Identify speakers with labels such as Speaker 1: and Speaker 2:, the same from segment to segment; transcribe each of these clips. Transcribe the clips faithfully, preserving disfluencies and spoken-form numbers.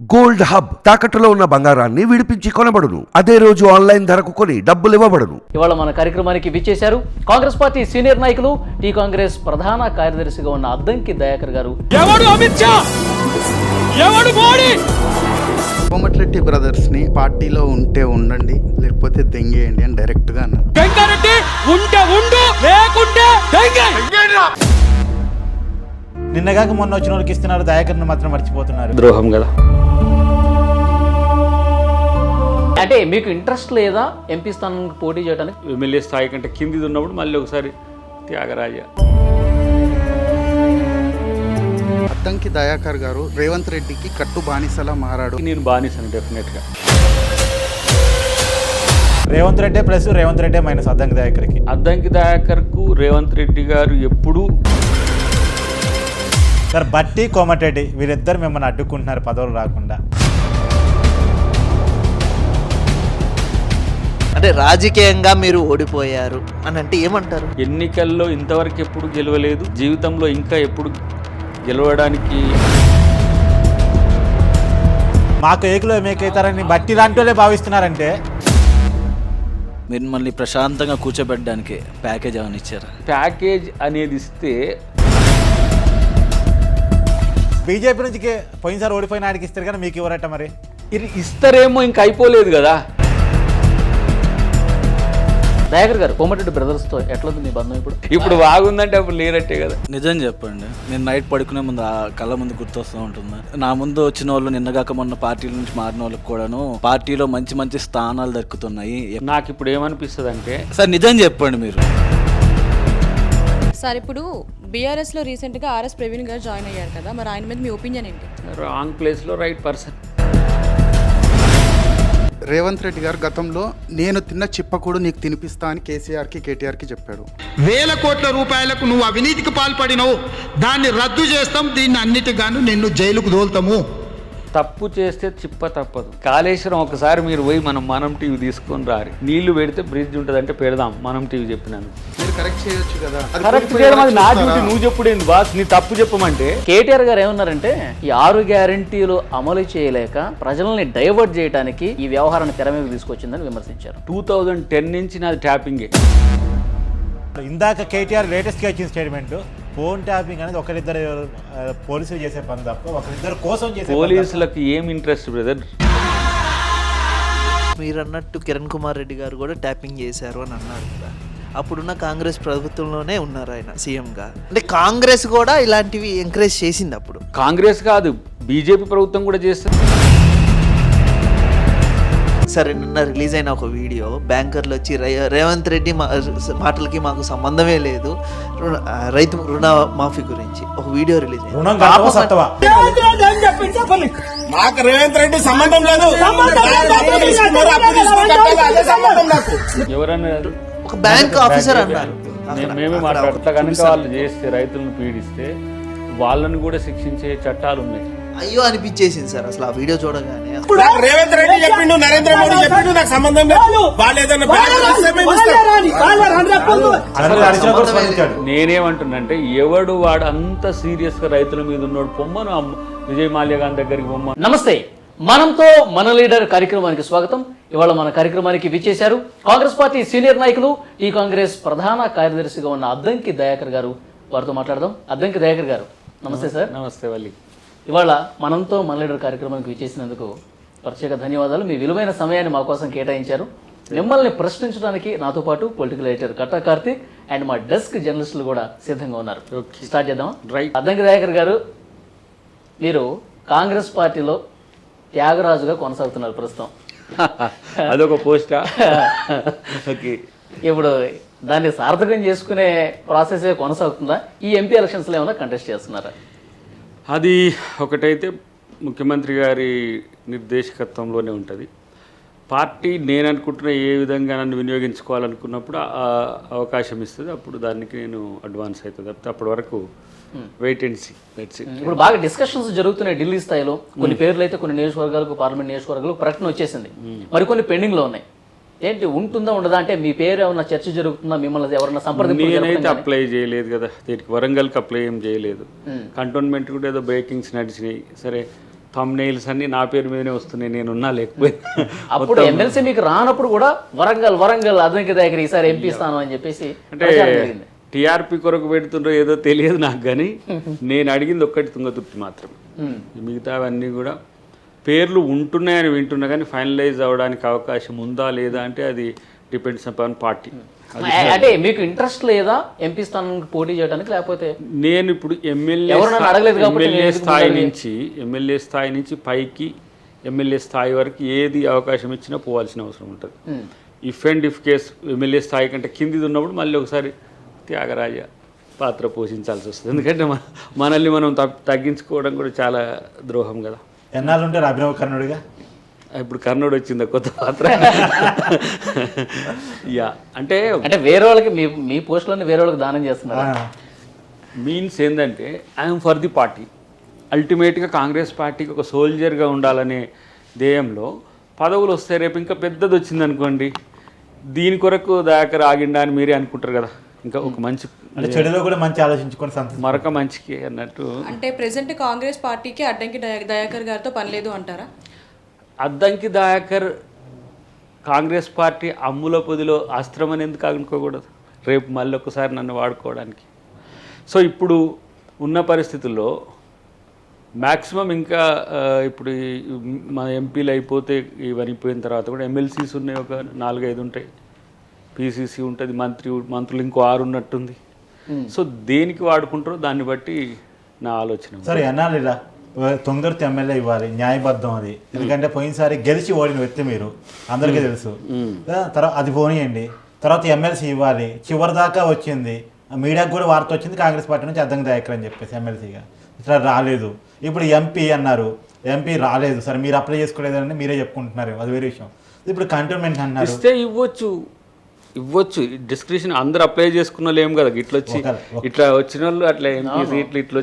Speaker 1: Gold hub తాకట్టులో ఉన్న బంగారాన్ని విడిపించి కొనబడును. అదే రోజు ఆన్లైన్ ధరకు కొని డబ్బులు ఇవ్వబడును.
Speaker 2: ఇవాళ మన కార్యక్రమానికి విచ్చేశారు కాంగ్రెస్ పార్టీ సీనియర్ నాయకులు, టీ కాంగ్రెస్ ప్రధాన కార్యదర్శిగా ఉన్న అద్దంకి దయాకర్ గారు.
Speaker 3: ఎవడు అమిత్ షా, ఎవడు మోడీ?
Speaker 4: కోమటిరెడ్డి బ్రదర్స్ ని పార్టీలో ఉంటే ఉండండి, లేకపోతే దెంగేయండి అని డైరెక్ట్ గా అన్నారు.
Speaker 3: వెంకరెడ్డి ఉంటే ఉండు, లేకుంటే దెంగే.
Speaker 5: నిన్నగాక మొన్న వచ్చిన వాళ్ళకి ఇస్తున్నారు, దయాకర్ని మాత్రం మర్చిపోతున్నారు.
Speaker 6: ద్రోహం కదా.
Speaker 2: అంటే మీకు ఇంట్రెస్ట్ లేదా ఎంపీ స్థానానికి పోటీ చేయడానికి?
Speaker 6: ఎమ్మెల్యే స్థాయి కంటే కిందిది ఉన్నప్పుడు మళ్ళీ ఒకసారి త్యాగరాజ.
Speaker 4: అద్దంకి దయాకర్ గారు రేవంత్ రెడ్డికి కట్టు బానిసలా మారాడు.
Speaker 6: నేను బానిసాను డెఫినెట్గా.
Speaker 5: రేవంత్ రెడ్డి ప్లస్ రేవంత్ రెడ్డి మైనస్ అద్దంకి దయాకర్కి.
Speaker 6: అద్దంకి దయాకర్కు రేవంత్ రెడ్డి గారు ఎప్పుడూ
Speaker 5: సార్ బట్టి కోమటిరెడ్డి వీరిద్దరు మిమ్మల్ని అడ్డుకుంటున్నారు పదవులు రాకుండా.
Speaker 7: అంటే రాజకీయంగా మీరు ఓడిపోయారు అని అంటే ఏమంటారు?
Speaker 6: ఎన్నికల్లో ఇంతవరకు ఎప్పుడు గెలవలేదు, జీవితంలో ఇంకా ఎప్పుడు గెలవడానికి.
Speaker 5: మాకు ఏకులో మేకైతారని బట్టి లాంటి వాళ్ళే భావిస్తున్నారంటే
Speaker 7: మిమ్మల్ని ప్రశాంతంగా కూర్చోబెట్టడానికి ప్యాకేజ్ ఏమైనా ఇచ్చారు?
Speaker 6: ప్యాకేజ్ అనేది ఇస్తే
Speaker 5: బీజేపీ నుంచి పోయినసారి ఓడిపోయిన ఆడికి ఇస్తారు కానీ మీకు ఎవరట మరి?
Speaker 6: ఇది ఇస్తారేమో ఇంకా అయిపోలేదు కదా.
Speaker 2: దయాకర్ గారు, కోమటిరెడ్డి బ్రదర్స్ తో ఎట్లా మీ బంధం ఇప్పుడు?
Speaker 6: ఇప్పుడు బాగుందంటే అప్పుడు లేనట్టే కదా.
Speaker 7: నిజం చెప్పండి, నేను నైట్ పడుకునే ముందు ఆ కళ్ళ ముందు గుర్తొస్తూ ఉంటుంది. నా ముందు వచ్చిన వాళ్ళు నిన్నగాక మొన్న పార్టీల నుంచి మారిన వాళ్ళకి కూడాను పార్టీలో మంచి మంచి స్థానాలు దక్కుతున్నాయి.
Speaker 6: నాకు ఇప్పుడు ఏమనిపిస్తుంది అంటే,
Speaker 7: సార్ నిజం చెప్పండి మీరు.
Speaker 8: సార్ ఇప్పుడు బీఆర్ఎస్లో రీసెంట్గా ఆర్ఎస్ ప్రవీణ్ గారు జాయిన్ అయ్యారు కదా, మరి ఆయన మీద మీ ఒపీనియన్ ఏంటి?
Speaker 6: రాంగ్ ప్లేస్లో రైట్ పర్సన్.
Speaker 4: రేవంత్ రెడ్డి గారు గతంలో నేను తిన్న చిప్పకూడు నీకు తినిపిస్తా అని కేసీఆర్కి కేటీఆర్కి చెప్పాడు.
Speaker 9: వేల కోట్ల రూపాయలకు నువ్వు అవినీతికి పాల్పడినవు, దాన్ని రద్దు చేస్తాం, దీన్ని అన్నిటిగాను నిన్ను జైలుకు దోల్తాము.
Speaker 6: తప్పు చేస్తే చిప్ప తప్పదు. కాళేశ్వరం ఒకసారి మీరు పోయి మనం మనం టీవీ తీసుకొని రారి, నీళ్లు పెడితే బ్రిడ్జ్ ఉంటుంది అంటే పెడదాం. మనం టీవీ చెప్పినాను,
Speaker 4: మీరు కరెక్ట్ చేయొచ్చు కదా. అది
Speaker 6: కరెక్ట్ చేయడం అది నా డ్యూటీ. నువ్వు చెప్పుడేంది బాస్, నీ తప్పు చెప్పమంటే.
Speaker 2: కేటీఆర్ గారు ఏమన్నారంటే, ఈ ఆరు గ్యారంటీలు అమలు చేయలేక ప్రజల్ని డైవర్ట్ చేయడానికి ఈ వ్యవహారాన్ని తెర మీద తీసుకొచ్చిందని విమర్శించారు.
Speaker 6: టూ థౌజండ్ టెన్ నుంచి నాది ట్యాపింగే.
Speaker 5: ఇందాక కేటీఆర్ లేటెస్ట్గా ఇచ్చిన స్టేట్మెంట్, ఫోన్ ట్యాపింగ్ అనేది ఒకరిద్దరు పోలీసులు చేసే పని తప్ప ఒకరిద్దరు కోసం చేసే.
Speaker 6: పోలీసులకు ఏం ఇంట్రెస్ట్ బ్రదర్?
Speaker 7: మీరు అన్నట్టు కిరణ్ కుమార్ రెడ్డి గారు కూడా ట్యాపింగ్ చేశారు అని అన్నారు కదా, అప్పుడున్న కాంగ్రెస్ ప్రభుత్వంలోనే ఉన్నారు ఆయన సీఎంగా. అంటే కాంగ్రెస్ కూడా ఇలాంటివి ఎంకరేజ్ చేసింది అప్పుడు.
Speaker 6: కాంగ్రెస్ కాదు, బీజేపీ ప్రభుత్వం కూడా చేస్తుంది.
Speaker 7: సరే, నిన్న రిలీజ్ అయిన ఒక వీడియో, బ్యాంకర్లు వచ్చి రేవంత్ రెడ్డి మా మాటలకి మాకు సంబంధమే లేదు, రైతు రుణ మాఫీ గురించి ఒక వీడియో రిలీజ్ అయింది.
Speaker 9: నాకు రేవంత్ రెడ్డి సంబంధం లేదు.
Speaker 6: ఎవరన్నా
Speaker 7: ఒక బ్యాంక్ ఆఫీసర్ అన్నారు.
Speaker 6: మేమే మాట్లాడతా కనుక వాళ్ళు చేస్తే, రైతులను పీడిస్తే వాళ్ళని కూడా శిక్షించే చట్టాలు ఉన్నాయి.
Speaker 7: అయ్యో అనిపించేసింది సార్ అసలు ఆ వీడియో చూడగానే.
Speaker 9: రేవంత్ రెడ్డి చెప్పిండు, నరేంద్ర మోడీ చెప్పిండు, నాకు సంబంధం లేదు.
Speaker 6: నేనేమంటున్నంటే, ఎవడు వాడు అంత సీరియస్ గా రైతుల మీద ఉన్నాడు పొమ్మను విజయ్ మాల్యా గారి దగ్గరికి పొమ్మ.
Speaker 2: నమస్తే, మనంతో మన లీడర్ కార్యక్రమానికి స్వాగతం. ఇవాళ మన కార్యక్రమానికి విచ్చేశారు కాంగ్రెస్ పార్టీ సీనియర్ నాయకులు, ఈ కాంగ్రెస్ ప్రధాన కార్యదర్శిగా ఉన్న అద్దంకి దయాకర్ గారు. వారితో మాట్లాడదాం. అద్దంకి దయాకర్ గారు, నమస్తే సార్.
Speaker 6: నమస్తే వల్లి.
Speaker 2: ఇవాళ మనంతో మన లీడర్ కార్యక్రమానికి విచ్చేసినందుకు ప్రత్యేక ధన్యవాదాలు. మీ విలువైన సమయాన్ని మా కోసం కేటాయించారు. మిమ్మల్ని ప్రశ్నించడానికి నాతో పాటు political editor Katta Karthik and మా డెస్క్ జర్నలిస్టులు కూడా సిద్ధంగా ఉన్నారు. స్టార్ట్ చేద్దాం.
Speaker 6: రైట్.
Speaker 2: అద్దంకి దయాకర్ గారు, మీరు కాంగ్రెస్ పార్టీలో త్యాగరాజుగా కొనసాగుతున్నారు ప్రస్తుతం.
Speaker 6: అదొక పోస్టా? ఓకే.
Speaker 2: ఇప్పుడు దాన్ని సార్థకం చేసుకునే ప్రాసెస్ కొనసాగుతుందా? ఈ ఎంపీ ఎలక్షన్స్లో ఏమైనా కంటెస్ట్ చేస్తున్నారా?
Speaker 6: అది ఒకటైతే ముఖ్యమంత్రి గారి నిర్దేశకత్వంలోనే ఉంటుంది. పార్టీ నేను అనుకుంటున్న ఏ విధంగా నన్ను వినియోగించుకోవాలనుకున్నప్పుడు ఆ అవకాశం ఇస్తుంది, అప్పుడు దానికి నేను అడ్వాన్స్ అవుతుంది. తప్పితే అప్పటి వరకు wait and see. Let's see.
Speaker 2: ఇప్పుడు బాగా డిస్కషన్స్ జరుగుతున్నాయి ఢిల్లీ స్థాయిలో. కొన్ని పేర్లు అయితే కొన్ని నియోజకవర్గాలకు, పార్లమెంట్ నియోజకవర్గాలకు ప్రకటన వచ్చేసింది, మరికొన్ని పెండింగ్లో ఉన్నాయి. ఏంటి, ఉంటుందా ఉండదా? అంటే మీ పేరు ఏమన్నా చర్చ జరుగుతుందా? మిమ్మల్ని ఎవరన్నా సంప్రదింపు?
Speaker 6: నేనైతే అప్లై చేయలేదు కదా దీనికి, వరంగల్కి అప్లై ఏం చేయలేదు. కంటోన్మెంట్ కూడా ఏదో బ్రేకింగ్స్ నడిచినాయి. సరే, థంబ్నెయిల్స్ అన్నీ నా పేరు మీదనే వస్తున్నాయి, నేనున్నా లేకపోయినా.
Speaker 2: అప్పుడు ఎమ్మెల్సీ మీకు రానప్పుడు కూడా వరంగల్ వరంగల్ అద్దంకి దగ్గర ఈసారి ఎంపీ స్థానం అని చెప్పేసి
Speaker 6: అంటే టీఆర్పీ కొరకు పెడుతుండ్రో ఏదో తెలియదు నాకు, కానీ నేను అడిగింది ఒక్కటి తుంగతుర్తి మాత్రమే. మిగతావన్నీ కూడా పేర్లు ఉంటున్నాయని వింటున్నా, కానీ ఫైనలైజ్ అవ్వడానికి అవకాశం ఉందా లేదా అంటే అది డిపెండ్స్ అపాన్ పార్టీ.
Speaker 2: అంటే మీకు ఇంట్రెస్ట్ లేదా ఎంపీ స్థానానికి పోటీ చేయడానికి? లేకపోతే
Speaker 6: నేను ఇప్పుడు ఎమ్మెల్యే
Speaker 2: ఎవరు అడగలేదు కాబట్టి
Speaker 6: ఎమ్మెల్యే స్థాయి నుంచి ఎమ్మెల్యే స్థాయి నుంచి పైకి ఎమ్మెల్యే స్థాయి వరకు ఏది అవకాశం ఇచ్చినా పోవాల్సిన అవసరం ఉంటుంది. If and if case MLA స్థాయి కంటే కిందిది ఉన్నప్పుడు మళ్ళీ ఒకసారి త్యాగరాజ పాత్ర పోషించాల్సి వస్తుంది. ఎందుకంటే మన మనల్ని మనం తగ్గించుకోవడం కూడా చాలా ద్రోహం కదా.
Speaker 5: ఎన్నాళ్ళు ఉంటారు అభినవ కర్ణుడిగా?
Speaker 6: ఇప్పుడు కర్ణుడు వచ్చింది కొత్త పాత్ర. యా అంటే
Speaker 2: అంటే వేరే వాళ్ళకి మీ మీ పోస్టులన్నీ వేరే వాళ్ళకి దానం చేస్తున్నారు.
Speaker 6: మీన్స్ ఏంటంటే ఐఎమ్ ఫర్ ది పార్టీ. అల్టిమేట్గా కాంగ్రెస్ పార్టీకి ఒక సోల్జర్గా ఉండాలనే ధ్యేయంలో పదవులు వస్తాయి. రేపు ఇంకా పెద్దది వచ్చింది అనుకోండి, దీని కొరకు దాకా ఆగిండా అని మీరే అనుకుంటారు కదా. ఇంకా ఒక మంచి
Speaker 5: అంటే చెడులో కూడా మంచి ఆలోచించుకొని
Speaker 6: మరొక మంచికి అన్నట్టు.
Speaker 8: అంటే ప్రెసెంట్ కాంగ్రెస్ పార్టీకి అడ్డంకి దయా- దయాకర్ గారితో పని లేదు అంటారా?
Speaker 6: అద్దంకి దయాకర్ కాంగ్రెస్ పార్టీ అమ్ముల పొదిలో అస్త్రం అని ఎందుకు అనుకోకూడదు రేపు మళ్ళీ ఒకసారి నన్ను వాడుకోవడానికి? సో ఇప్పుడు ఉన్న పరిస్థితుల్లో మ్యాక్సిమం ఇంకా ఇప్పుడు మన ఎంపీలు అయిపోతే ఇవన్నీ అయిపోయిన తర్వాత కూడా ఎమ్మెల్సీస్ ఉన్నాయి, ఒక నాలుగైదు ఉంటాయి, పీసీసీ ఉంటుంది, మంత్రి మంత్రులు ఇంకో ఆరు ఉన్నట్టుంది. సో దేనికి వాడుకుంటారో దాన్ని బట్టి నా ఆలోచన.
Speaker 5: సరే అన్నాళ్ళు ఇలా తొందరతో ఎమ్మెల్యే ఇవ్వాలి, న్యాయబద్ధం అది. ఎందుకంటే పోయినసారి గెలిచి ఓడిన వ్యక్తి మీరు, అందరికీ తెలుసు. తర్వాత అది పోనీయండి, తర్వాత ఎమ్మెల్సీ ఇవ్వాలి. చివరి దాకా వచ్చింది, మీడియాకు కూడా వార్త వచ్చింది కాంగ్రెస్ పార్టీ నుంచి అద్దంకి దయాకర్ అని చెప్పేసి ఎమ్మెల్సీగా. ఇట్లా రాలేదు. ఇప్పుడు ఎంపీ అన్నారు, ఎంపీ రాలేదు. సరే మీరు అప్లై చేసుకోలేదని మీరే చెప్పుకుంటున్నారు, అది వేరే విషయం. ఇప్పుడు కంటోన్మెంట్ అన్నారు,
Speaker 6: ఇస్తే ఇవ్వచ్చు ఇవ్వచ్చు డిస్క్రిప్షన్ అందరు అప్లై చేసుకున్న వాళ్ళు ఏం కదా, ఇట్లా వచ్చి ఇట్లా వచ్చిన వాళ్ళు అట్లా ఎంపీ సీట్లు ఇట్లా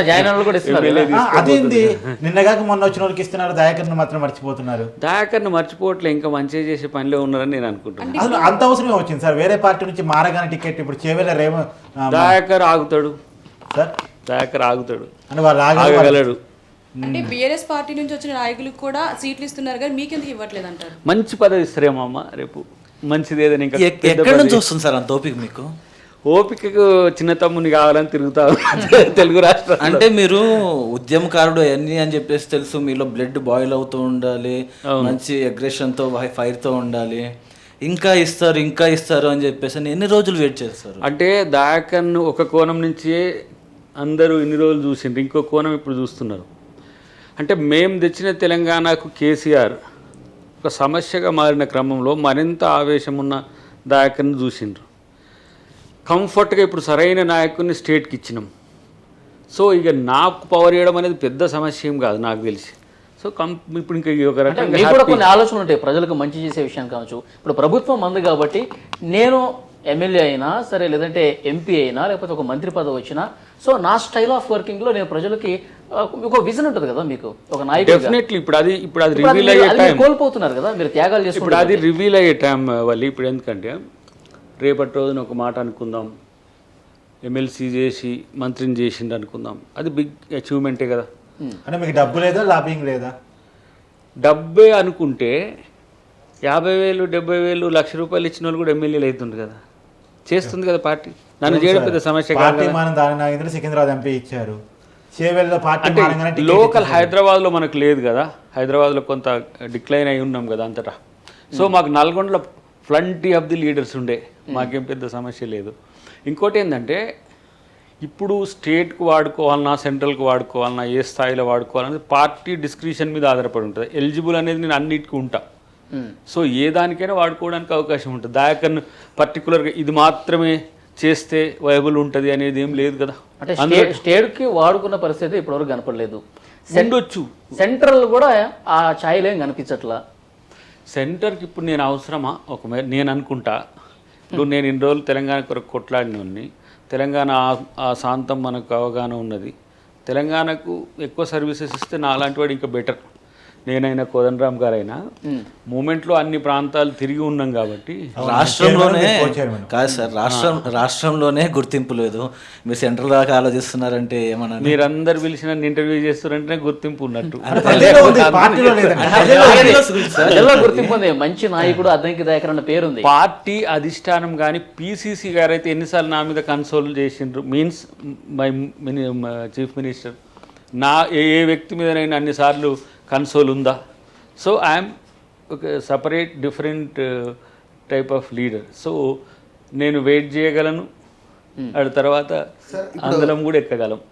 Speaker 6: వచ్చిన
Speaker 5: అదేంది నిన్నగాక మొన్న వచ్చిన వాళ్ళకి ఇస్తున్నారు, దయాకర్ని మాత్రం మర్చిపోతున్నారు.
Speaker 6: దయాకర్ని మర్చిపోవట్లే, ఇంకా మంచిగా చేసే పనిలో ఉన్నారని నేను అనుకుంటున్నాను.
Speaker 5: అసలు అంత అవసరమే వచ్చింది సార్, వేరే పార్టీ నుంచి మారగానే టికెట్ ఇప్పుడు చేవేల రేమ
Speaker 6: దయాకర్ ఆగుతాడు
Speaker 5: సార్,
Speaker 6: దయాకర్ ఆగుతాడు
Speaker 5: అంటే వాళ్ళు
Speaker 6: ఆగగలడు.
Speaker 8: అంటే బీఆర్ఎస్ పార్టీ నుంచి వచ్చిన నాయకులకు కూడా సీట్లు ఇస్తున్నారు కానీ మీకెందుకు ఇవ్వట్లేదు అంటారు?
Speaker 6: మంచి పదవి ఇస్తారేమో అమ్మ రేపు, మంచిది ఏదైనా. ఇంకా
Speaker 7: ఎక్కడి నుంచి వస్తుంది సార్ అంత ఓపిక మీకు?
Speaker 6: ఓపికకు చిన్న తమ్ముని కావాలని తిరుగుతా తెలుగు రాష్ట్రం.
Speaker 10: అంటే మీరు ఉద్యమకారుడు అవన్నీ అని చెప్పేసి తెలుసు, మీలో బ్లడ్ బాయిల్ అవుతూ ఉండాలి, మంచి అగ్రెషన్తో ఫైర్తో ఉండాలి, ఇంకా ఇస్తారు ఇంకా ఇస్తారు అని చెప్పేసి ఎన్ని రోజులు వెయిట్ చేస్తారు?
Speaker 6: అంటే దయాకర్ను ఒక కోణం నుంచే అందరూ ఇన్ని రోజులు చూసిండ్రు, ఇంకో కోణం ఇప్పుడు చూస్తున్నారు. అంటే మేము తెచ్చిన తెలంగాణకు కేసీఆర్ ఒక సమస్యగా మారిన క్రమంలో మరింత ఆవేశం ఉన్న దయాకర్ని చూసిండ్రు. కంఫర్ట్గా ఇప్పుడు సరైన నాయకుడిని స్టేట్కి ఇచ్చినాం. సో ఇక నాకు పవర్ ఇవ్వడం అనేది పెద్ద సమస్య ఏం కాదు నాకు తెలిసి. సో కం ఇప్పుడు ఇంకా ఒక రకంగా
Speaker 2: మీకు కూడా కొన్ని ఆలోచనలు ఉంటాయి ప్రజలకు మంచి చేసే విషయం కావచ్చు. ఇప్పుడు ప్రభుత్వం మంది కాబట్టి నేను ఎమ్మెల్యే అయినా సరే, లేదంటే ఎంపీ అయినా, లేకపోతే ఒక మంత్రి పదవి వచ్చినా, సో నా స్టైల్ ఆఫ్ వర్కింగ్లో నేను ప్రజలకి ఒక విజన్ ఉంటుంది కదా మీకు, ఒక నాయకుడు.
Speaker 6: డెఫినెట్లీ ఇప్పుడు అది ఇప్పుడు అది రివీల్ అయ్యే టైం
Speaker 2: కోల్పోతున్నారు కదా మీరు, త్యాగాలు చేసి.
Speaker 6: ఇప్పుడు అది రివీల్ అయ్యే టైం వాళ్ళు. ఇప్పుడు ఎందుకంటే రేపటి రోజున ఒక మాట అనుకుందాం, ఎమ్మెల్సీ చేసి మంత్రిని చేసిండు అనుకుందాం, అది బిగ్ అచీవ్మెంటే కదా.
Speaker 5: అంటే మీకు డబ్బు లేదా, లాబింగ్ లేదా?
Speaker 6: డబ్బే అనుకుంటే యాభై వేలు డెబ్బై వేలు లక్ష రూపాయలు ఇచ్చిన వాళ్ళు కూడా ఎమ్మెల్యేలు అవుతుంది కదా, చేస్తుంది కదా పార్టీ. నన్ను చేయడం పెద్ద సమస్య కాదు.
Speaker 5: సికింద్రాబాద్ ఎంపీ ఇచ్చారు,
Speaker 6: లోకల్ హైదరాబాద్లో మనకు లేదు కదా, హైదరాబాద్లో కొంత డిక్లైన్ అయి ఉన్నాం కదా అంతటా. సో మాకు నల్గొండలో ప్లంటీ ఆఫ్ ది లీడర్స్ ఉండే, మాకేం పెద్ద సమస్య లేదు. ఇంకోటి ఏంటంటే ఇప్పుడు స్టేట్కు వాడుకోవాలన్నా సెంట్రల్కి వాడుకోవాలన్నా ఏ స్థాయిలో వాడుకోవాలనేది పార్టీ డిస్క్రిప్షన్ మీద ఆధారపడి ఉంటుంది. ఎలిజిబుల్ అనేది నేను అన్నిటికీ ఉంటా. సో ఏ దానికైనా వాడుకోవడానికి అవకాశం ఉంటుంది. దయాకర్ను పర్టికులర్గా ఇది మాత్రమే చేస్తే వైబుల్ ఉంటుంది అనేది ఏం లేదు కదా.
Speaker 2: అంటే స్టేట్కి వాడుకున్న పరిస్థితి ఇప్పటివరకు కనపడలేదు.
Speaker 6: ఉండొచ్చు,
Speaker 2: సెంట్రల్ కూడా ఆ ఛాయలు ఏం కనిపించట్లా.
Speaker 6: సెంటర్కి ఇప్పుడు నేను అవసరమా ఒక నేను అనుకుంటా. ఇప్పుడు నేను ఇన్ని రోజులు తెలంగాణ కొరకు కొట్లాడినోడిని, తెలంగాణ ఆ శాంతం మనకు అవగాహన ఉన్నది. తెలంగాణకు ఎక్కువ సర్వీసెస్ ఇస్తే నా అలాంటి వాడు ఇంకా బెటర్. నేనైనా కోదండరామ్ గారైనా మూమెంట్లో అన్ని ప్రాంతాలు తిరిగి ఉన్నాం కాబట్టి
Speaker 10: రాష్ట్రంలోనే
Speaker 5: కో చైర్మన్.
Speaker 10: కాదు సార్, రాష్ట్రం రాష్ట్రంలోనే గుర్తింపు లేదు, మీరు సెంట్రల్ దాకా ఆలోచిస్తున్నారంటే ఏమన్నా
Speaker 6: మీరందరు పిలిచి నన్ను ఇంటర్వ్యూ చేస్తారంటే గుర్తింపు ఉన్నట్టు.
Speaker 5: ప్రజల్లో ఉంది, పార్టీలో లేదండి.
Speaker 2: ప్రజల్లో గుర్తింపు ఉంది, మంచి నాయకుడు అద్దంకి దయాకర్ అన్న పేరుంది.
Speaker 6: పార్టీ అధిష్టానం కానీ పీసీసీ గారు అయితే ఎన్నిసార్లు నా మీద కన్సోల్ చేసిండ్రు, means my mini chief minister నా ఏ ఏ వ్యక్తి మీదనైనా అన్నిసార్లు కన్సోల్ ఉందా? సో ఐఎమ్ ఒక separate different type of leader. So నేను వెయిట్ చేయగలను, ఆ తర్వాత అందరం కూడా ఎక్కగలం.